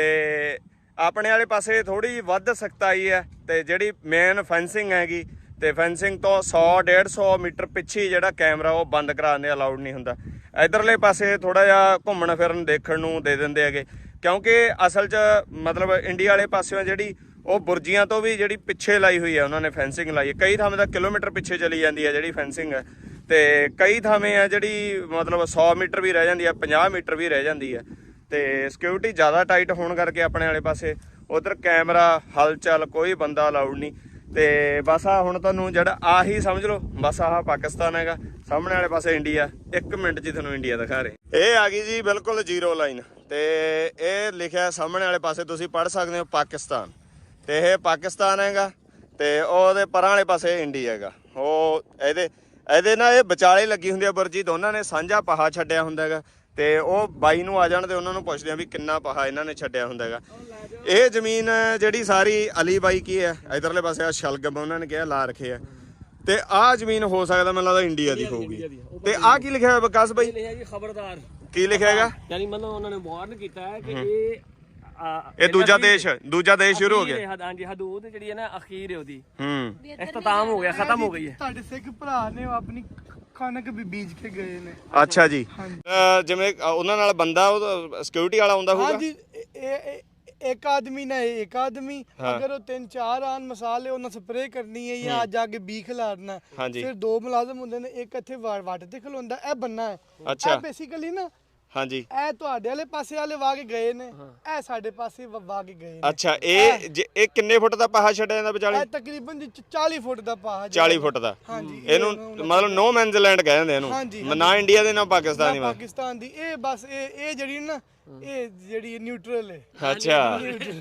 ਆਪਣੇ ਵਾਲੇ ਪਾਸੇ ਥੋੜੀ ਵੱਧ ਸਖਤਾਈ ਹੈ। ਤੇ ਜਿਹੜੀ ਮੇਨ ਫੈਂਸਿੰਗ ਹੈਗੀ, ਤੇ ਫੈਂਸਿੰਗ ਤੋਂ ਸੌ ਡੇਢ ਸੌ ਮੀਟਰ ਪਿੱਛੇ ਜਿਹੜਾ ਕੈਮਰਾ ਉਹ ਬੰਦ ਕਰਾਉਣੇ ਅਲਾਉਡ ਨਹੀਂ ਹੁੰਦਾ। ਇਧਰਲੇ ਪਾਸੇ ਥੋੜਾ ਜਿਹਾ ਘੁੰਮਣ ਫਿਰਨ ਦੇਖਣ ਨੂੰ ਦੇ ਦਿੰਦੇ ਹੈਗੇ, ਕਿਉਂਕਿ ਅਸਲ 'ਚ ਮਤਲਬ ਇੰਡੀਆ ਵਾਲੇ ਪਾਸਿਓਂ ਜਿਹੜੀ ਉਹ ਬੁਰਜੀਆਂ ਤੋਂ ਵੀ ਜਿਹੜੀ ਪਿੱਛੇ ਲਾਈ ਹੋਈ ਹੈ ਉਹਨਾਂ ਨੇ ਫੈਂਸਿੰਗ ਲਾਈ ਹੈ। ਕਈ ਥਾਵੇਂ ਤਾਂ ਕਿਲੋਮੀਟਰ ਪਿੱਛੇ ਚਲੀ ਜਾਂਦੀ ਹੈ ਜਿਹੜੀ ਫੈਂਸਿੰਗ ਹੈ, ਤੇ ਕਈ ਥਾਵੇਂ ਆ ਜਿਹੜੀ ਮਤਲਬ ਸੌ ਮੀਟਰ ਵੀ ਰਹਿ ਜਾਂਦੀ ਹੈ, ਪੰਜਾਹ ਮੀਟਰ ਵੀ ਰਹਿ ਜਾਂਦੀ ਹੈ। ਤੇ ਸਿਕਿਉਰਿਟੀ ਜ਼ਿਆਦਾ ਟਾਈਟ ਹੋਣ ਕਰਕੇ ਆਪਣੇ ਵਾਲੇ ਪਾਸੇ ਉਧਰ ਕੈਮਰਾ ਹਲਚਲ ਕੋਈ ਬੰਦਾ ਅਲਾਉਡ ਨਹੀਂ। ਤੇ ਬਸ ਆ ਹੁਣ ਤੁਹਾਨੂੰ ਜਿਹੜਾ ਆਹੀ ਸਮਝ ਲਓ, ਬਸ ਆਹ ਪਾਕਿਸਤਾਨ ਹੈਗਾ, ਸਾਹਮਣੇ ਵਾਲੇ ਪਾਸੇ ਇੰਡੀਆ। ਇੱਕ ਮਿੰਟ 'ਚ ਤੁਹਾਨੂੰ ਇੰਡੀਆ ਦਿਖਾ ਰਹੇ। ਇਹ ਆ ਗਈ ਜੀ ਬਿਲਕੁਲ ਜ਼ੀਰੋ ਲਾਈਨ, ਤੇ ਇਹ ਲਿਖਿਆ ਸਾਹਮਣੇ ਵਾਲੇ ਪਾਸੇ ਤੁਸੀਂ ਪੜ੍ਹ ਸਕਦੇ ਹੋ ਪਾਕਿਸਤਾਨ, ਤੇ ਇਹ ਪਾਕਿਸਤਾਨ ਹੈਗਾ, ਤੇ ਉਹਦੇ ਪਰਾਂ ਵਾਲੇ ਪਾਸੇ ਇੰਡੀਆ ਹੈਗਾ। ਉਹ ਇਹਦੇ ਇਹਦੇ ਨਾਲ ਇਹ ਵਿਚਾਲੇ ਲੱਗੀ ਹੁੰਦੀ ਆ ਬੁਰਜੀ, ਦੋਨਾਂ ਨੇ ਸਾਂਝਾ ਪਹਾ ਛੱਡਿਆ ਹੁੰਦਾ ਹੈਗਾ। ਤੇ ਉਹ ਬਾਈ ਨੂੰ ਆ ਜਾਣ ਤੇ ਉਹਨਾਂ ਨੂੰ ਪੁੱਛਦੇ ਆ ਵੀ ਕਿੰਨਾ ਪਹਾ ਇਹਨਾਂ ਨੇ ਛੱਡਿਆ ਹੁੰਦਾ ਹੈਗਾ। ਇਹ ਜ਼ਮੀਨ ਜਿਹੜੀ ਸਾਰੀ ਅਲੀ ਬਾਈ ਕੀ ਹੈ, ਇਧਰਲੇ ਪਾਸੇ ਆ ਸ਼ਲਗਮ ਉਹਨਾਂ ਨੇ ਕਿਹਾ ਲਾ ਰੱਖੇ ਆ, ਤੇ ਆਹ ਜ਼ਮੀਨ ਹੋ ਸਕਦਾ ਮੈਨੂੰ ਲੱਗਦਾ ਇੰਡੀਆ ਦੀ ਹੋਊਗੀ। ਤੇ ਆਹ ਕੀ ਲਿਖਿਆ ਹੋਇਆ ਵਿਕਾਸ ਬਾਈ? ਲਿਖਿਆ ਜੀ ਖਬਰਦਾਰ। ਕੀ ਲਿਖਿਆ ਹੈਗਾ? ਯਾਨੀ ਮਤਲਬ ਉਹਨਾਂ ਨੇ ਵਾਰਨ ਕੀਤਾ ਹੈ ਕਿ ਇਹ ਇਹ ਦੂਜਾ ਦੇਸ਼ ਦੂਜਾ ਦੇਸ਼ ਸ਼ੁਰੂ ਹੋ ਗਿਆ। ਹਾਂਜੀ ਹਦੂਦ ਜਿਹੜੀ ਹੈ ਨਾ ਅਖੀਰ ਹੈ ਉਹਦੀ, ਹੂੰ ਇਖਤਤਾਮ ਹੋ ਗਿਆ, ਖਤਮ ਹੋ ਗਈ ਹੈ। ਤੁਹਾਡੇ ਸਿੱਖ ਭਰਾ ਨੇ ਆਪਣੀ ਕਣਕ ਵੀ ਬੀਜ ਕੇ ਗਏ ਨੇ। ਅੱਛਾ ਜੀ। ਜਿਵੇਂ ਉਹਨਾਂ ਨਾਲ ਬੰਦਾ ਉਹ ਸਿਕਿਉਰਿਟੀ ਵਾਲਾ ਆਉਂਦਾ ਹੋਊਗਾ। ਹਾਂਜੀ ਇਹ ਇੱਕ ਆਦਮੀ ਨਾ ਇੱਕ ਆਦਮੀ ਅਗਰ ਉਹ ਤਿੰਨ ਚਾਰ ਆਨ ਮਸਾਲੇ ਉਹਨਾਂ ਸਪਰੇਅ ਕਰਨੀ ਹੈ ਜਾਂ ਅੱਜ ਆ ਕੇ ਬੀ ਖਿਲਾਰਨਾ, ਫਿਰ ਦੋ ਮੁਲਾਜ਼ਮ ਹੁੰਦੇ ਨੇ, ਇੱਕ ਇੱਥੇ ਵੱਟ ਤੇ ਖਲੋਂਦਾ, ਇਹ ਬੰਨਾ ਹੈ। ਇਹ ਬੇਸਿਕਲੀ ਨਾ ਹਾਂਜੀ ਇਹ ਤੁਹਾਡੇ ਵਾਲੇ ਪਾਸੇ ਵਾਲੇ ਵਾ ਕੇ ਗਏ ਨੇ, ਇਹ ਸਾਡੇ ਪਾਸੇ ਵਾ ਕੇ ਗਏ ਨੇ। ਅੱਛਾ ਇਹ ਇਹ ਕਿੰਨੇ ਫੁੱਟ ਦਾ ਪਾਹਾ ਛੱਡਿਆ ਜਾਂਦਾ ਵਿਚਾਲੇ? ਇਹ ਤਕਰੀਬਨ ਚਾਲੀ ਫੁੱਟ ਦਾ ਪਾਹਾ। ਚਾਲੀ ਫੁੱਟ ਦਾ। ਹਾਂਜੀ ਇਹਨੂੰ ਮਤਲਬ ਨੋ ਮੈਨਸ ਲੈਂਡ ਕਹਿੰਦੇ ਇਹਨੂੰ, ਨਾ ਇੰਡੀਆ ਦੇ ਨਾ ਪਾਕਿਸਤਾਨ ਦੀ। ਪਾਕਿਸਤਾਨ ਦੀ ਇਹ ਬਸ ਇਹ ਇਹ ਜਿਹੜੀ ਨਾ ਇਹ ਜਿਹੜੀ ਨਿਊਟਰਲ ਹੈ। ਅੱਛਾ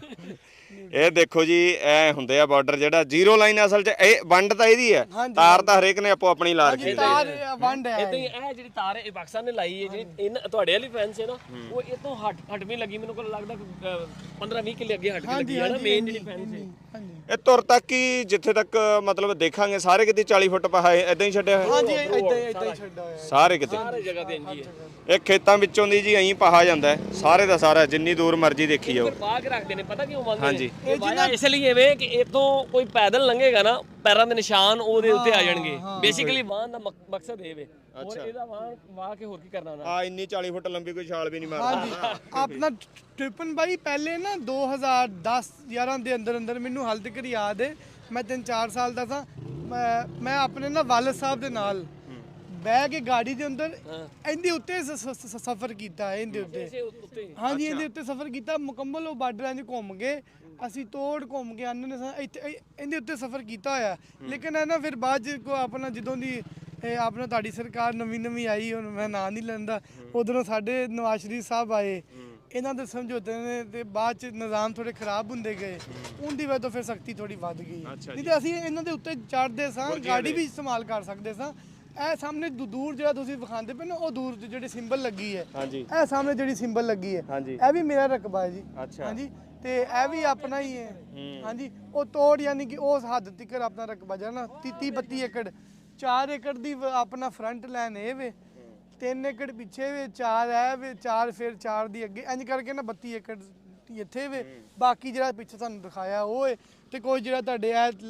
ਇਹ ਦੇਖੋ ਜੀ ਐ ਹੁੰਦੇ ਆ ਬਾਰਡਰ ਜਿਹੜਾ ਜ਼ੀਰੋ ਲਾਈਨ ਅਸਲ 'ਚ ਇਹ ਵੰਡ ਤਾਂ ਇਹਦੀ ਹੈ, ਤਾਰ ਤਾਂ ਹਰੇਕ ਨੇ ਆਪੋ ਆਪਣੀ ਲਾ ਰੱਖੀ। ਤਾਰ ਵੰਡ ਹੈ ਇਦਾਂ ਹੀ ਇਹ ਜਿਹੜੀ ਤਾਰ ਹੈ ਪਾਕਿਸਤਾਨ ਨੇ ਲਾਈ ਹੈ, ਜਿਹੜੀ ਇਹਨਾਂ ਤੁਹਾਡੇ ਵਾਲੀ ਫੈਂਸ ਹੈ ਨਾ, ਉਹ ਇਹ ਤੋਂ ਹਟ ਹਟਵੀਂ ਲੱਗੀ, ਮੈਨੂੰ ਕੋਲ ਲੱਗਦਾ ਪੰਦਰਾਂ ਵੀਹ ਕਿਲੇ ਅੱਗੇ ਹਟ ਕੇ ਲੱਗੀ ਹੈ ਨਾ ਮੇਨ ਜਿਹੜੀ ਫੈਂਸ ਹੈ। ਇਹ ਤੁਰ ਤੱਕ ਹੀ ਜਿੱਥੇ ਤੱਕ ਮਤਲਬ ਦੇਖਾਂਗੇ ਸਾਰੇ ਕਿਤੇ ਚਾਲੀ ਫੁੱਟ ਪਾਹਾ ਇਦਾਂ ਹੀ ਛੱਡਿਆ ਹੋਇਆ। ਹਾਂਜੀ ਇਦਾਂ ਇਦਾਂ ਹੀ ਛੱਡਿਆ ਹੋਇਆ ਸਾਰੇ ਕਿਤੇ, ਸਾਰੇ ਜਗ੍ਹਾ ਤੇ ਇੰਜੀ ਹੈ। ਇਹ ਖੇਤਾਂ ਵਿੱਚੋਂ ਦੀ ਜੀ ਐਂ ਪਾਹਾ ਜਾਂਦਾ ਸਾਰੇ ਦਾ ਸਾਰਾ, ਜਿੰਨੀ ਦੂਰ ਮਰਜ਼ੀ ਦੇਖੀ ਜਾਓ। ਪਾ ਕੇ ਰੱਖਦੇ ਨੇ, ਪਤਾ ਕਿਉਂ ਮੰਨਦੇ ਨੇ? ਇਹ ਵਾਇਆ ਇਸ ਲਈ ਐਵੇਂ ਕਿ ਇਤੋਂ ਕੋਈ ਪੈਦਲ ਲੰਘੇਗਾ ਨਾ, ਪੈਰਾਂ ਦੇ ਨਿਸ਼ਾਨ ਉਹਦੇ ਉੱਤੇ ਆ ਜਾਣਗੇ। ਬੇਸਿਕਲੀ ਵਾਹਨ ਦਾ ਮਕਸਦ ਇਹ ਵੇ। ਹੋਰ ਇਹਦਾ ਵਾਹਨ ਵਾਹ ਕੇ ਹੋਰ ਕੀ ਕਰਨਾ ਉਹਨਾਂ? ਆ ਇੰਨੀ ਚਾਲੀ ਫੁੱਟ ਲੰਬੀ ਕੋਈ ਛਾਲ ਵੀ ਨਹੀਂ ਮਾਰਦਾ। ਹਾਂਜੀ ਆਪਣਾ ਟ੍ਰਿਪਨ ਬਾਈ ਪਹਿਲੇ ਨਾ ਦੋ ਹਜ਼ਾਰ ਦਸ ਗਿਆਰਾਂ ਦੇ ਅੰਦਰ ਅੰਦਰ ਮੈਨੂੰ ਹਾਲ ਤੱਕ ਯਾਦ ਹੈ, ਮੈਂ ਤਿੰਨ ਚਾਰ ਸਾਲ ਦਾ ਸਾਂ, ਮੈਂ ਆਪਣੇ ਨਾ ਵਾਲਦ ਸਾਹਿਬ ਦੇ ਨਾਲ ਬਹਿ ਕੇ ਗਾੜੀ ਦੇ ਅੰਦਰ ਇਹਦੇ ਉੱਤੇ ਸਫ਼ਰ ਕੀਤਾ ਹੈ। ਇਹਦੇ ਉੱਤੇ ਹਾਂਜੀ ਇਹਦੇ ਉੱਤੇ ਸਫ਼ਰ ਕੀਤਾ ਮੁਕੰਮਲ। ਉਹ ਬਾਰਡਰਾਂ 'ਚ ਘੁੰਮ ਗਏ ਅਸੀਂ, ਤੋੜ ਘੁੰਮ ਕੇ ਆਨੇ ਨੇ ਇੱਥੇ ਇਹਦੇ ਉੱਤੇ ਸਫ਼ਰ ਕੀਤਾ ਹੋਇਆ। ਲੇਕਿਨ ਹੈ ਨਾ ਫਿਰ ਬਾਅਦ 'ਚ ਕੋ ਆਪਣਾ ਜਦੋਂ ਦੀ ਇਹ ਆਪਣਾ ਤੁਹਾਡੀ ਸਰਕਾਰ ਨਵੀਂ ਨਵੀਂ ਆਈ, ਹੁਣ ਮੈਂ ਨਾਂ ਨਹੀਂ ਲੈਂਦਾ, ਉਧਰੋਂ ਸਾਡੇ ਨਵਾਜ਼ ਸ਼ਰੀਫ ਸਾਹਿਬ ਆਏ, ਇਹਨਾਂ ਦੇ ਸਮਝੌਤੇ ਨੇ ਤੇ ਬਾਅਦ 'ਚ ਨਿਜ਼ਾਮ ਥੋੜੇ ਖਰਾਬ ਹੁੰਦੇ ਗਏ, ਉਹਦੀ ਵਜ੍ਹਾ ਤੋਂ ਫਿਰ ਸਖਤੀ ਥੋੜੀ ਵੱਧ ਗਈ। ਨਹੀਂ ਤੇ ਅਸੀਂ ਇਹਨਾਂ ਦੇ ਉੱਤੇ ਚੜ੍ਹਦੇ ਸਾਂ, ਗਾੜੀ ਵੀ ਇਸਤੇਮਾਲ ਕਰ ਸਕਦੇ ਸਾਂ। ਇਹ ਸਾਹਮਣੇ ਦੂਰ ਜਿਹੜਾ ਤੁਸੀਂ ਵਿਖਾਉਂਦੇ ਪਏ ਨਾ, ਉਹ ਦੂਰ ਜਿਹੜੀ ਸਿੰਬਲ ਲੱਗੀ ਹੈ, ਇਹ ਸਾਹਮਣੇ ਜਿਹੜੀ ਸਿੰਬਲ ਲੱਗੀ ਹੈ, ਇਹ ਵੀ ਮੇਰਾ ਰਕਬਾ ਹੈ ਜੀ। ਹਾਂਜੀ ਤੇ ਇਹ ਵੀ ਆਪਣਾ ਹੀ ਹੈ। ਹਾਂਜੀ ਉਹ ਤੋੜ ਯਾਨੀ ਕਿ ਉਸ ਹੱਦ ਤੱਕ ਆਪਣਾ ਰਕਬਾ ਜਿਹੜਾ ਨਾ ਤੀਹ ਬੱਤੀ ਏਕੜ, ਚਾਰ ਏਕੜ ਦੀ ਆਪਣਾ ਫਰੰਟ ਲਾਈਨ ਇਹ ਵੇ, ਤਿੰਨ ਏਕੜ ਪਿੱਛੇ ਵੇ, ਚਾਰ ਐ ਵੇ, ਚਾਰ ਫਿਰ ਚਾਰ ਦੀ ਅੱਗੇ, ਇੰਜ ਕਰਕੇ ਨਾ ਬੱਤੀ ਏਕੜ ਇੱਥੇ ਵੇ। ਬਾਕੀ ਜਿਹੜਾ ਪਿੱਛੇ ਤੁਹਾਨੂੰ ਦਿਖਾਇਆ ਉਹ ਹੈ, ਤੇ ਕੋਈ ਜਿਹੜਾ ਤੁਹਾਡੇ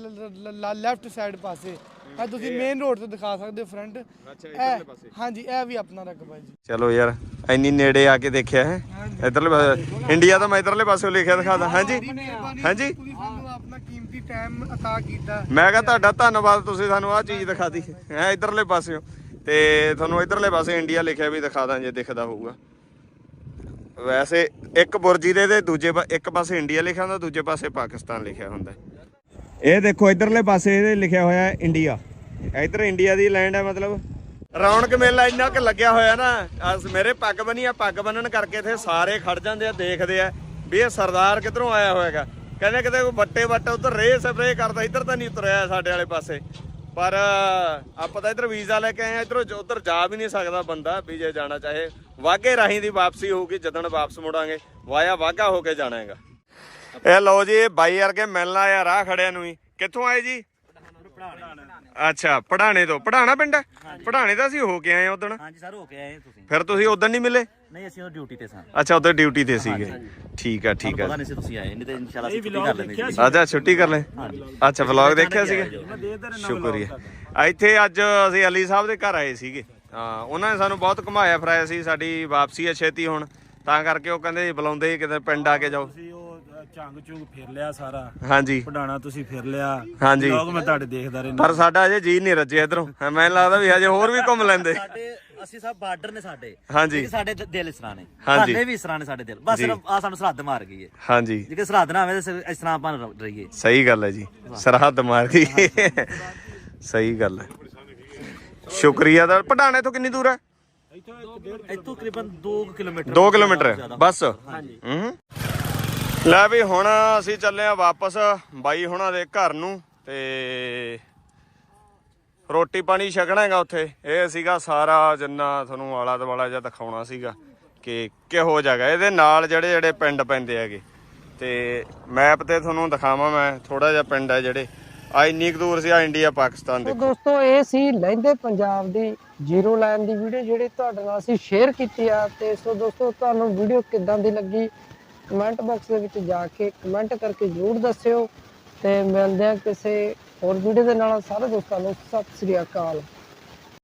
ਇਹ ਲੈਫਟ ਸਾਈਡ ਪਾਸੇ ਇਹ ਤੁਸੀਂ ਮੇਨ ਰੋਡ ਤੇ ਦਿਖਾ ਸਕਦੇ ਹੋ ਫਰੰਟ। ਹਾਂਜੀ ਇਹ ਵੀ ਆਪਣਾ ਰਕਬਾ ਜੀ। ਚਲੋ ਯਾਰ ਇੰਨੀ ਨੇੜੇ ਆ ਕੇ ਦੇਖਿਆ ਹੈ ਇਧਰਲੇ ਪਾਸੇ ਇੰਡੀਆ ਦਾ, ਮੈਂ ਇਧਰਲੇ ਪਾਸੇ ਲਿਖਿਆ ਦਿਖਾਦਾ। ਹਾਂਜੀ ਹਾਂਜੀ ਤੁਸੀਂ ਸਾਨੂੰ ਆਪਣਾ ਕੀਮਤੀ ਟਾਈਮ ਅਤਾ ਕੀਤਾ, ਮੈਂ ਕਿਹਾ ਤੁਹਾਡਾ ਧੰਨਵਾਦ, ਤੁਸੀਂ ਸਾਨੂੰ ਆਹ ਚੀਜ਼ ਦਿਖਾਤੀ ਹੈ ਇਧਰਲੇ ਪਾਸਿਓਂ, ਤੇ ਤੁਹਾਨੂੰ ਇਧਰਲੇ ਪਾਸੇ ਇੰਡੀਆ ਲਿਖਿਆ ਵੀ ਦਿਖਾਦਾ ਜੇ ਦਿਖਦਾ ਹੋਊਗਾ। ਵੈਸੇ ਇੱਕ ਬੁਰਜੀ ਦੇ ਦੇ ਦੂਜੇ ਇੱਕ ਪਾਸੇ ਇੰਡੀਆ ਲਿਖਿਆ ਹੁੰਦਾ, ਦੂਜੇ ਪਾਸੇ ਪਾਕਿਸਤਾਨ ਲਿਖਿਆ ਹੁੰਦਾ। ਇਹ ਦੇਖੋ ਇਧਰਲੇ ਪਾਸੇ ਇਹਦੇ ਲਿਖਿਆ ਹੋਇਆ ਇੰਡੀਆ, ਇਧਰ ਇੰਡੀਆ ਦੀ ਲੈਂਡ ਹੈ। ਮਤਲਬ ਰੌਣਕ ਮੇਲਾ ਇੰਨਾ ਕੁ ਲੱਗਿਆ ਹੋਇਆ ਨਾ, ਮੇਰੇ ਪੱਗ ਬਣੀ ਆ, ਪੱਗ ਬੰਨਣ ਕਰਕੇ ਇੱਥੇ ਸਾਰੇ ਖੜ ਜਾਂਦੇ ਆ, ਦੇਖਦੇ ਆ ਵੀ ਇਹ ਸਰਦਾਰ ਕਿੱਧਰੋਂ ਆਇਆ ਹੋਏਗਾ। ਕਹਿੰਦੇ ਕਿਤੇ ਕੋਈ ਵੱਟੇ ਵੱਟ ਉਧਰ ਰੇ ਸਪਰੇ ਕਰਦਾ, ਇੱਧਰ ਤਾਂ ਨਹੀਂ ਉਤਰਿਆ ਸਾਡੇ ਵਾਲੇ ਪਾਸੇ। ਪਰ ਆਪਾਂ ਤਾਂ ਇੱਧਰ ਵੀਜ਼ਾ ਲੈ ਕੇ ਆਏ ਆ, ਇੱਧਰੋਂ ਉੱਧਰ ਜਾ ਵੀ ਨਹੀਂ ਸਕਦਾ ਬੰਦਾ ਵੀ ਜੇ ਜਾਣਾ ਚਾਹੇ। ਵਾਘੇ ਰਾਹੀਂ ਦੀ ਵਾਪਸੀ ਹੋਊਗੀ, ਜਦੋਂ ਵਾਪਸ ਮੁੜਾਂਗੇ ਵਾਇਆ ਵਾਘਾ ਹੋ ਕੇ ਜਾਣਾ ਹੈਗਾ। ਇਹ ਲਓ ਜੀ, ਇਹ ਬਾਈ ਵਰਗੇ ਮਿਲਣ ਆਇਆ ਰਾਹ ਖੜਿਆਂ ਨੂੰ ਹੀ। ਕਿੱਥੋਂ ਆਏ ਜੀ? ਅੱਛਾ ਪੜਾਣੇ ਤੋਂ। ਪੜਾਣਾ ਪਿੰਡ ਹੈ? ਪੜਾਣੇ ਤਾਂ ਅਸੀਂ ਹੋ ਕੇ ਆਏ ਉਦੋਂ। ਹਾਂਜੀ ਸਰ ਹੋ ਕੇ ਆਏ ਤੁਸੀਂ। ਫਿਰ ਤੁਸੀਂ ਉਦੋਂ ਨਹੀਂ ਮਿਲੇ? ਨਹੀਂ ਅਸੀਂ ਉਹ ਡਿਊਟੀ ਤੇ ਸਾਂ। ਅੱਛਾ ਉਦੋਂ ਡਿਊਟੀ ਤੇ ਸੀਗੇ। ਠੀਕ ਆ ਠੀਕ ਆ। ਪਤਾ ਨਹੀਂ ਸੀ ਤੁਸੀਂ ਆਏ, ਨਹੀਂ ਤਾਂ ਇਨਸ਼ਾਅੱਲਾ ਅਸੀਂ ਛੁੱਟੀ ਕਰ ਲੈਂਦੇ। ਅੱਛਾ ਛੁੱਟੀ ਕਰ ਲੈ। ਅੱਛਾ ਵਲੌਗ ਦੇਖਿਆ ਸੀਗਾ, ਸ਼ੁਕਰੀਆ। ਇੱਥੇ ਅੱਜ ਅਸੀਂ ਅਲੀ ਸਾਹਿਬ ਦੇ ਘਰ ਆਏ ਸੀਗੇ। ਹਾਂ ਉਹਨਾਂ ਨੇ ਸਾਨੂੰ ਬਹੁਤ ਘੁਮਾਇਆ ਫਿਰਾਇਆ ਸੀ, ਸਾਡੀ ਵਾਪਸੀ ਹੈ ਛੇਤੀ ਹੁਣ, ਤਾਂ ਕਰਕੇ ਉਹ ਕਹਿੰਦੇ ਬੁਲਾਉਂਦੇ ਕਿਤੇ ਪਿੰਡ ਆ ਕੇ ਜਾਓ। ਝੰਗ ਝੁੰਗ ਫਿਰ ਲਿਆ ਸਾਰਾ। ਹਾਂਜੀ ਪੜਾਣਾ ਤੁਸੀਂ ਫਿਰ ਲਿਆ। ਹਾਂਜੀ ਲੋਕ ਮੈਂ ਤੁਹਾਡੇ ਦੇਖਦਾ ਰਹਿੰਦਾ, ਪਰ ਸਾਡਾ ਅਜੇ ਜੀ ਨਹੀਂ ਰੱਜੇ ਇਧਰੋਂ। ਮੈਨੂੰ ਲੱਗਦਾ ਵੀ ਹਜੇ ਹੋਰ ਵੀ ਘੁੰਮ ਲੈਂਦੇ। ਸਾਡੇ ਅਸੀਂ ਸਭ ਬਾਰਡਰ ਨੇ ਸਾਡੇ। ਹਾਂਜੀ ਸਾਡੇ ਦਿਲ ਇਸ ਤਰ੍ਹਾਂ ਨੇ, ਹਾਂਜੀ ਸਾਡੇ ਵੀ ਇਸ ਤਰ੍ਹਾਂ ਨੇ ਸਾਡੇ ਦਿਲ। ਬਸ ਆ ਸਾਨੂੰ ਸਰਹੱਦ ਮਾਰ ਗਈ ਹੈ। ਹਾਂਜੀ ਜੇ ਸਰਹੱਦ ਨਾ ਆਵੇ ਤਾਂ ਇਸ ਤਰ੍ਹਾਂ ਆਪਾਂ ਰਹੀਏ। ਸਹੀ ਗੱਲ ਹੈ ਜੀ, ਸਰਹੱਦ ਮਾਰ ਗਈ। ਸਹੀ ਗੱਲ ਹੈ, ਸ਼ੁਕਰੀਆ ਦਾ। ਪਟਾਣੇ ਤੋਂ ਕਿੰਨੀ ਦੂਰ ਹੈ? ਇੱਥੋਂ ਤਕਰੀਬਨ ਦੋ ਕਿਲੋਮੀਟਰ। ਦੋ ਕਿਲੋਮੀਟਰ ਬਸ। ਹੂੰ ਲੈ ਵੀ ਹੁਣ ਅਸੀਂ ਚੱਲੇ ਆ ਵਾਪਸ ਬਾਈ ਹੁਣਾਂ ਦੇ ਘਰ ਨੂੰ, ਤੇ ਰੋਟੀ ਪਾਣੀ ਛਕਣਾ ਹੈਗਾ ਉੱਥੇ। ਇਹ ਸੀਗਾ ਸਾਰਾ ਜਿੰਨਾ ਤੁਹਾਨੂੰ ਆਲਾ ਦੁਆਲਾ ਜਿਹਾ ਦਿਖਾਉਣਾ ਸੀਗਾ ਕਿ ਕਿਹੋ ਜਗ੍ਹਾ। ਇਹਦੇ ਨਾਲ ਜਿਹੜੇ ਜਿਹੜੇ ਪਿੰਡ ਪੈਂਦੇ ਹੈਗੇ, ਤੇ ਮੈਪ ਤੇ ਤੁਹਾਨੂੰ ਦਿਖਾਵਾਂ ਮੈਂ ਥੋੜਾ ਜਿਹਾ ਪਿੰਡ ਹੈ ਜਿਹੜੇ ਆ ਇੰਨੀ ਕੁ ਦੂਰ ਸੀ ਆ ਇੰਡੀਆ ਪਾਕਿਸਤਾਨ ਸੋ ਦੇ। ਦੋਸਤੋ ਇਹ ਸੀ ਲਹਿੰਦੇ ਪੰਜਾਬ ਦੀ ਜ਼ੀਰੋ ਲਾਈਨ ਦੀ ਵੀਡੀਓ ਜਿਹੜੀ ਤੁਹਾਡੇ ਨਾਲ ਅਸੀਂ ਸ਼ੇਅਰ ਕੀਤੀ ਆ। ਤੇ ਸੋ ਦੋਸਤੋ ਤੁਹਾਨੂੰ ਵੀਡੀਓ ਕਿੱਦਾਂ ਦੀ ਲੱਗੀ ਕਮੈਂਟ ਬਾਕਸ ਦੇ ਵਿੱਚ ਜਾ ਕੇ ਕਮੈਂਟ ਕਰਕੇ ਜ਼ਰੂਰ ਦੱਸਿਓ ਤੇ ਮਿਲਦੇ ਆ ਕਿਸੇ ਹੋਰ ਵੀਡੀਓ ਦੇ ਨਾਲ। ਸਾਰੇ ਦੋਸਤਾਂ ਨੂੰ ਸਤਿ ਸ੍ਰੀ ਅਕਾਲ।